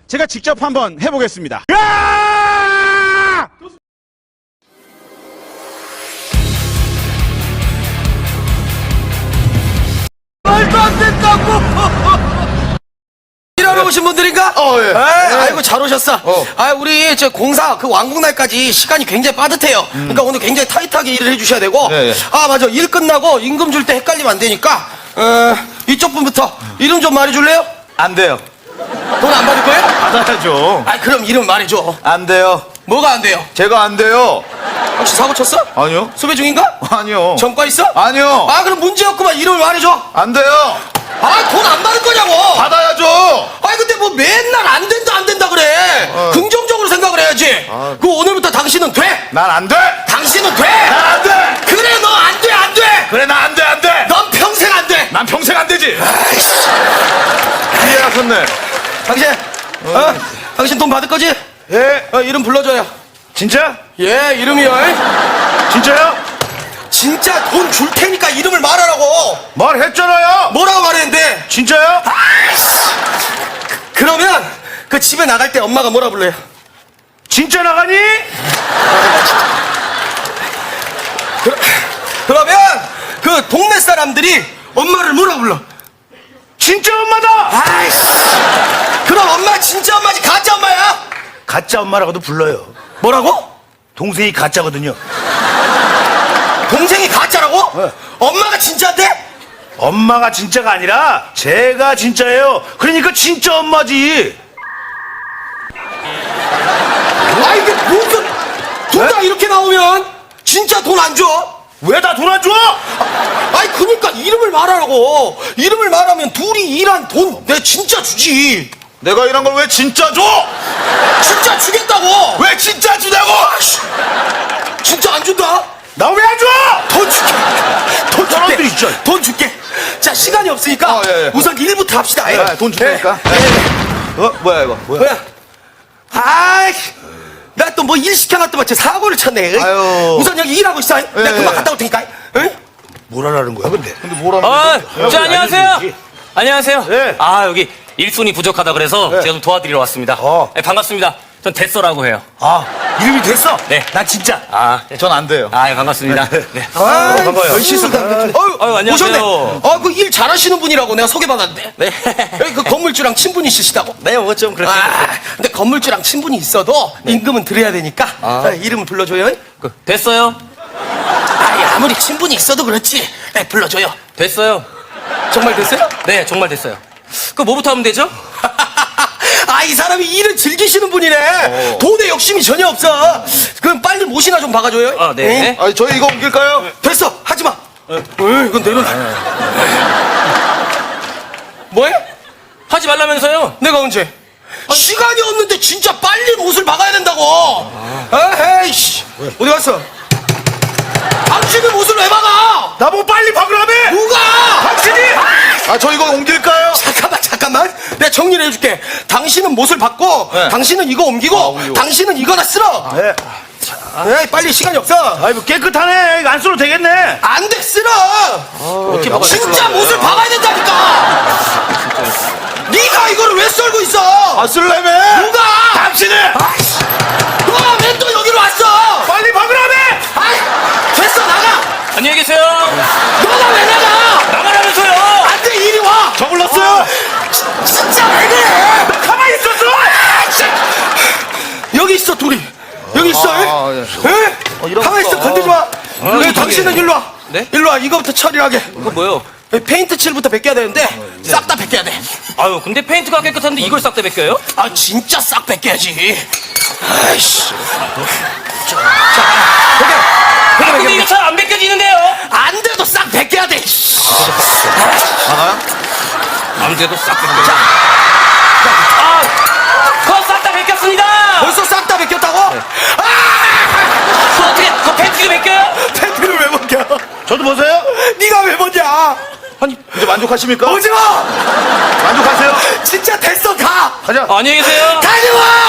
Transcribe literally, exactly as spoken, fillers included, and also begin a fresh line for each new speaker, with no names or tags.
제가 직접 한번 해보겠습니다. 야!
말도 안 된다고! 일하러 오신 분들인가?
어, 예.
에이, 아이고, 잘 오셨어.
어.
아, 우리 저 공사 그 완공날까지 시간이 굉장히 빠듯해요. 그러니까 오늘 굉장히 타이트하게 일을 해주셔야 되고.
예, 예.
아, 맞아. 일 끝나고 임금 줄 때 헷갈리면 안 되니까, 어, 이쪽 분부터 이름 좀 말해줄래요?
안 돼요.
돈 안 받을 거예요?
받아야죠.
아, 그럼 이름 말해줘.
안 돼요.
뭐가 안 돼요?
제가 안 돼요.
혹시 사고 쳤어?
아니요.
수배 중인가?
아니요.
전과 있어?
아니요.
아, 그럼 문제 없구만. 이름을 말해줘.
안 돼요.
아, 돈 안 받을 거냐고!
받아야죠.
아니 근데 뭐 맨날 안 된다 안 된다 그래.
어.
긍정적으로 생각을 해야지.
아.
그 오늘부터 당신은 돼.
난 안 돼.
당신은 돼.
난 안 돼.
그래 너 안 돼 안 돼.
그래, 나 안 돼, 안 돼.
넌 평생 안 돼.
난 평생 안 되지.
아이씨.
이해하셨네.
당신, 어? 당신 돈 받을 거지?
예.
어, 이름 불러줘요.
진짜?
예, 이름이요.
진짜요?
진짜 돈 줄 테니까 이름을 말하라고.
말했잖아요.
뭐라고 말했는데?
진짜요?
아이씨. 그러면 그 집에 나갈 때 엄마가 뭐라 불러요?
진짜 나가니?
그, 그러면 그 동네 사람들이 엄마를 뭐라 불러?
진짜 엄마다.
아이씨. 그럼 엄마 진짜 엄마지 가짜 엄마야?
가짜 엄마라고도 불러요.
뭐라고?
동생이 가짜거든요.
동생이 가짜라고?
네.
엄마가 진짜인데?
엄마가 진짜가 아니라 제가 진짜예요. 그러니까 진짜 엄마지.
아 이게 무슨 둘 다 이렇게 나오면 진짜 돈 안 줘?
왜 다 돈 안 줘?
아니 그니까 이름을 말하라고. 이름을 말하면 둘이 일한 돈 내가 진짜 주지.
내가 일한 걸 왜 진짜 줘?
진짜 주겠다고.
왜 진짜 주냐고?
아이씨. 진짜 안 준다.
나 왜 안 줘?
돈 줄게. 돈
사람들이
줄게.
진짜.
돈 줄게. 자 시간이 없으니까
어, 예, 예.
우선 일부터 합시다. 예.
아, 돈 주니까.
예.
어? 뭐야 이거? 뭐야?
뭐야? 아이, 나 또 뭐 일 시켜놨더만 제 사고를 쳤네. 에이.
아유.
우선 여기 일하고 있어. 내가
예,
금방
예.
갔다 올 테니까. 응?
뭘 하라는 거야 근데? 근데 뭘 하는
아,
거야?
저 안녕하세요. 안녕하세요.
네.
아, 여기 일손이 부족하다 그래서
네.
제가 좀 도와드리러 왔습니다.
어.
네, 반갑습니다. 전 데서라고 해요.
아 이름이 됐어?
네.
난 진짜.
아, 네.
전 안 돼요.
아, 예, 반갑습니다. 네.
아,
반가워요.
열심히 다 어유,
아유, 안녕하세요.
오셨네. 어, 그 일 잘하시는 분이라고 내가 소개받았는데.
네.
여기 그 건물주랑 친분이 있으시다고.
네, 뭐 좀 그렇게.
아, 근데 건물주랑 친분이 있어도 임금은 드려야 되니까 아, 이름을 불러줘요.
그, 됐어요.
아이, 아무리 친분이 있어도 그렇지. 네, 불러줘요.
됐어요.
정말 됐어요?
네, 정말 됐어요. 그 뭐부터 하면 되죠?
아, 이 사람이 일을 즐기시는 분이네.
어.
돈에 욕심이 전혀 없어. 그럼 빨리 모시나 좀 박아줘요.
아, 네.
응?
아 저희 이거 옮길까요?
됐어, 하지 마. 응, 이건 내려놔. 뭐해?
하지 말라면서요.
내가 언제? 시간이 없는데 진짜 빨리 못을 박아야 된다고. 에헤이, 씨. 어디 갔어? 당신이 못을 왜 박아?
나보고 빨리 박으라며!
누가?
당신이! 아 저 이거 옮길까요?
잠깐만, 잠깐만. 내가 정리를 해줄게. 당신은 못을 받고,
네.
당신은 이거 옮기고,
옮기고.
당신은 이거나 쓸어.
네.
에이, 빨리 시간이 없어.
아이 뭐 깨끗하네. 이거 안 써도 되겠네.
안 돼, 쓸어.
어떻게 막아?
진짜 못을 박아야 된다니까. 네가 이거를 왜 썰고 있어?
아 쓸래매?
누가?
당신이!
아이씨, 너가 왜 또 여기로 왔어?
빨리 박으라며!
아이, 됐어, 나가.
안녕히 계세요.
너가 왜 나가?
나가라면서요.
안 돼, 이리 와.
저 불렀어요?
진짜 왜 그래?
가만히 있었어!
여기 있어, 둘이. 여기 있어.
아,
에?
예.
에?
이런
가만히
거.
있어, 건들지 마. 왜
저기.
당신은 일로 와.
네?
일로 와, 이거부터 처리하게.
이거 뭐요?
페인트 칠부터 벗겨야 되는데, 싹 다 벗겨야 돼.
아유, 근데 페인트가 깨끗한데 이걸 싹 다 벗겨요?
아, 진짜 싹 벗겨야지. 아이씨. 자,
아, 근데 이거 잘 안 벗겨지는데요?
안 돼도 싹 벗겨야 돼.
나가요?
안 돼도 싹 벗겨. 아, 그거 싹 다 벗겼습니다.
벌써 싹 다 벗겼다고? 아!
그 어떻게 그 팬티도 벗겨요?
팬티를 왜 벗겨?
저도 보세요.
네가 왜 벗냐?
아니 이제 만족하십니까?
오지 마!
만족하세요?
진짜 됐어, 가!
가자.
안녕히 계세요.
가지 마!